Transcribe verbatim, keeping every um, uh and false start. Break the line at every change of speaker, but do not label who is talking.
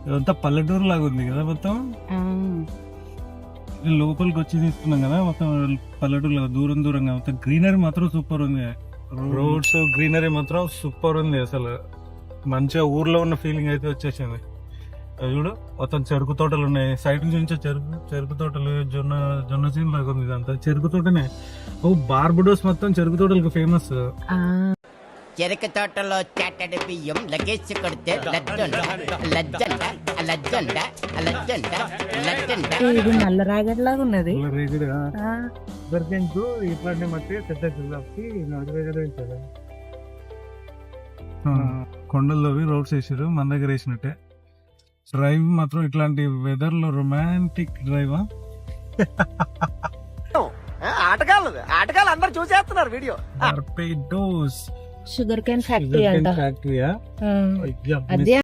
ఇదంతా పల్లెటూరు లాగా ఉంది కదా మొత్తం. లోపలికి వచ్చి తీసుకున్నాం కదా మొత్తం పల్లెటూరు లాగా దూరం దూరంగా మొత్తం గ్రీనరీ మాత్రం సూపర్ ఉంది. రోడ్స్ గ్రీనరీ మాత్రం సూపర్ ఉంది. అసలు మంచిగా ఊర్లో ఉన్న ఫీలింగ్ అయితే వచ్చేసింది. అది చూడు మొత్తం చెరుకు తోటలు ఉన్నాయి. సైడ్ నుంచి చెరుకు చెరుకు తోటలు జొన్న జొన్న సీన్ లాగా ఉంది. ఇదంతా చెరుకు తోటనే. ఓ బార్బడోస్ మొత్తం చెరుకు తోటలకు ఫేమస్.
చెరుకు తోటలో చాటడి బియ్యం లగేజ్ కొడితే లజ్జండ లజ్జండ లజ్జండ లజ్జండ లజ్జండ.
ఇది నల్ల రాగడి లాగా ఉన్నది.
ఇట్లాంటి మట్టి కొండల్లోవి రోడ్స్ వేసారు. మన దగ్గర వేసినట్టే. డ్రైవ్ మాత్రం ఇట్లాంటి వెదర్ లో రొమాంటిక్ డ్రైవ్.
ఆటగాళ్ళు ఆటగాళ్ళు అందరు చూసేస్తున్నారు వీడియో.
షుగర్ కేన్ ఫ్యాక్టరీ అంట.
ఫ్యాక్టరీయా?
అదే